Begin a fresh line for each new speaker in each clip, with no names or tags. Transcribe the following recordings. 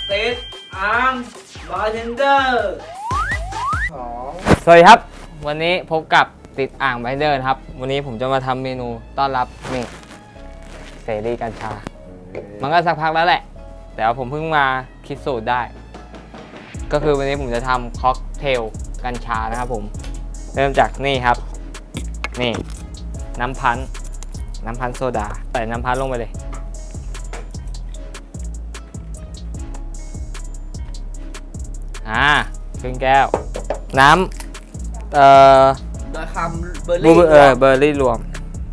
ติดอ่างบาร์เทนเดอร์
สวัสดีครับวันนี้พบกับติดอ่างบาร์เทนเดอร์ครับวันนี้ผมจะมาทำเมนูต้อนรับนี่เสรีกัญชามันก็สักพักแล้วแหละแต่ว่าผมเพิ่งมาคิดสูตรได้ก็คือวันนี้ผมจะทำค็อกเทลกัญชานะครับผมเริ่มจากนี่ครับนี่น้ำพันธุ์โซดาใส่น้ำพันธุ์ลงไปเลยครึ่งแก้วน้ำ
โดยคำเบอร์
รี่รวม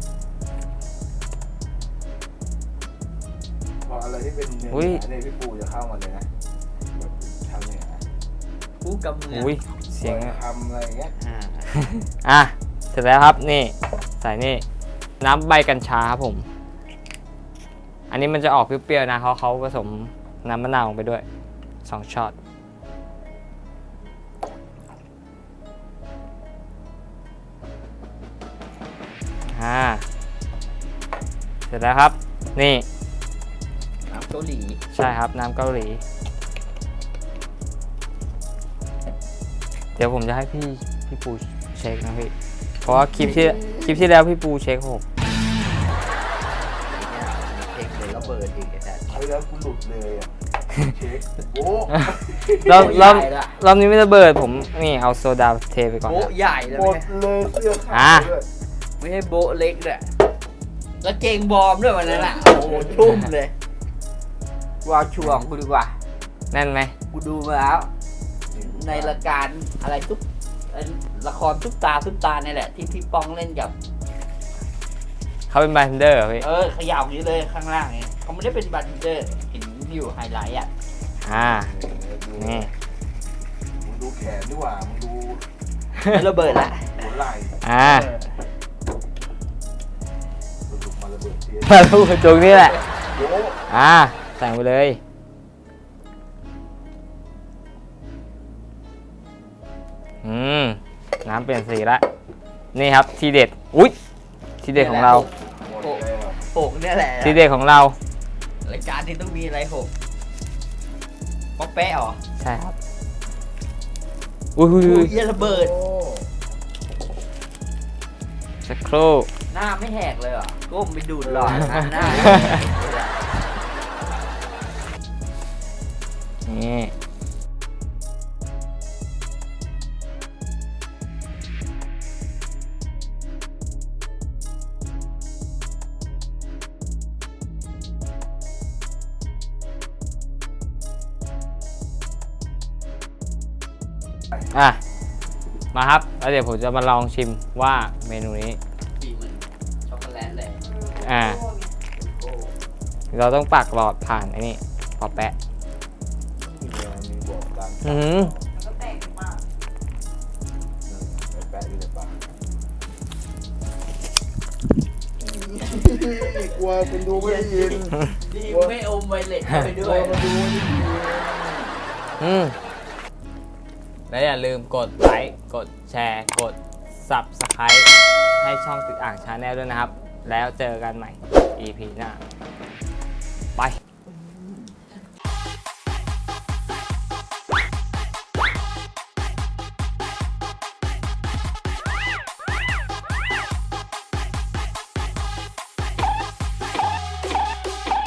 พออะไรที่เป็นเนื้อเนี่ยพี่ปูจะเข้ามาเลยนะแบบทำเนี่ยนะ
ปูกับเนื้อ
เสียง
ทำอะไรอย่างเงี้ย
เสร็จแล้วครับนี่ใส่นี่น้ำใบกัญชาครับผมอันนี้มันจะออกเปรี้ยวๆนะเขาผสมน้ำมะนาวลงไปด้วย2 ช็อตเสร็จแล้วครับนี่
น้ำเกาหลี
ใช่ครับน้ำเกาหลีเดี๋ยวผมจะให้พี่ปูเช็คนะพี่เพราะว่าคลิปที่แล้วพี่ปูเช็คผม
เช็คเลยระเบิดอีกแต่
เอาแล้วกูหลุดเลยอ่ะเช็คโบ้
รอบนี้ไม่ระเบิดผมนี่เอาโซดาเทไปก่อน
โบ๊ะใหญ่เลย
หมดเลยเสื้อขาดด้วย
ไม่ใช่โบ๊ะเล็กเลยแล้วเกงบอมด้วยวันนั้นอ่ะโอ้โหชุ่มเลยว่าช่วงกูดีกว่า
แน่นไหม
กูดูมาแล้วในรายการอะไรทุกละครทุกตาเนี่ยแหละที่พี่ป้องเล่นกับ
เขาเป็นบาร์เทนเดอร์พี่
ขยับอย่างนี้เลยข้างล่างเนี่ยเขาไม่ได้เป็นบาร์เทนเดอร์เห็นอยู่ไฮไลท์
นี่
มึงดูแขนดีกว่ามึงดู
ระเบิดละ
หัวไหล่มาระเบิด
ตรงนี้แหละใส่ไปเลยน้ำเปลี่ยนสีละนี่ครับทีเด็ดทีเด็ดของเรา
หกเนี่ยแหละ
ทีเด็ดของเรา
รายการที่ต้องมีอะไรหกป๊อปแปะหรอ
ใช่ครับ
เยี่ยระเบิด
สักครู่
หน้าไม่แหกเลยเหรอก้มไปดูดหลอดหน้า
นี่มาครับแล้วเดี๋ยวผมจะมาลองชิมว่าเมนูนี้
ช็อกโกแลตเลย
เราต้องปักหลอดผ่านไอ้นี่พอแปะ
ก็แตกมากแปะอยู่ในปากกลัวเป็นดูไม่ได้ยิน
ดีไม่อมไวเล็ตไปด้วย
มาดูไม่ได้ยิน
และอย่าลืมกดไลค์กดแชร์กด Subscribe ให้ช่องติดอ่างชาแนลด้วยนะครับแล้วเจอกันใหม่ EP หน้า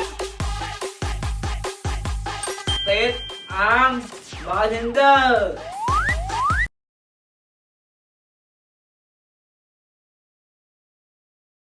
ไป
ติดอ่างบาร์เทนเดอร์